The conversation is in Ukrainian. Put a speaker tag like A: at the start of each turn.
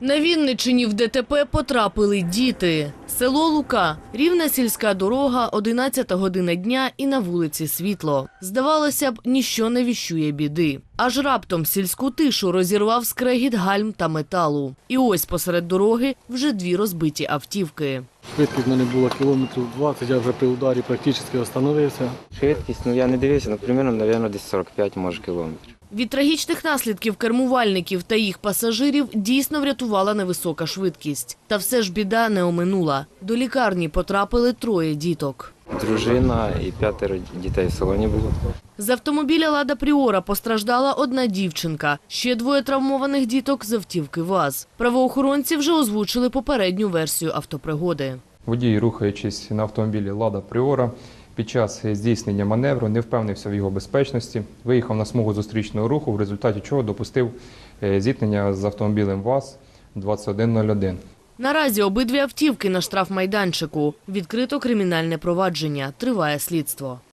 A: На Вінниччині в ДТП потрапили діти. Село Лука, рівна сільська дорога, 11 година дня і на вулиці світло. Здавалося б, ніщо не віщує біди. Аж раптом сільську тишу розірвав скрегіт гальм та металу. І ось посеред дороги вже дві розбиті автівки.
B: Швидкість в мене була кілометрів 20, я вже при ударі практично остановився.
C: Швидкість, я не дивився, примерно, мабуть, десь 45, може, кілометрів.
A: Від трагічних наслідків кермувальників та їх пасажирів дійсно врятувала невисока швидкість. Та все ж біда не оминула. До лікарні потрапили троє діток.
C: Дружина і 5 дітей в салоні було.
A: З автомобіля «Лада Пріора» постраждала одна дівчинка. Ще двоє травмованих діток з автівки ВАЗ. Правоохоронці вже озвучили попередню версію автопригоди.
D: Водій, рухаючись на автомобілі «Лада Пріора», під час здійснення маневру не впевнився в його безпечності, виїхав на смугу зустрічного руху, в результаті чого допустив зіткнення з автомобілем ВАЗ-2101.
A: Наразі обидві автівки на штрафмайданчику. Відкрито кримінальне провадження. Триває слідство.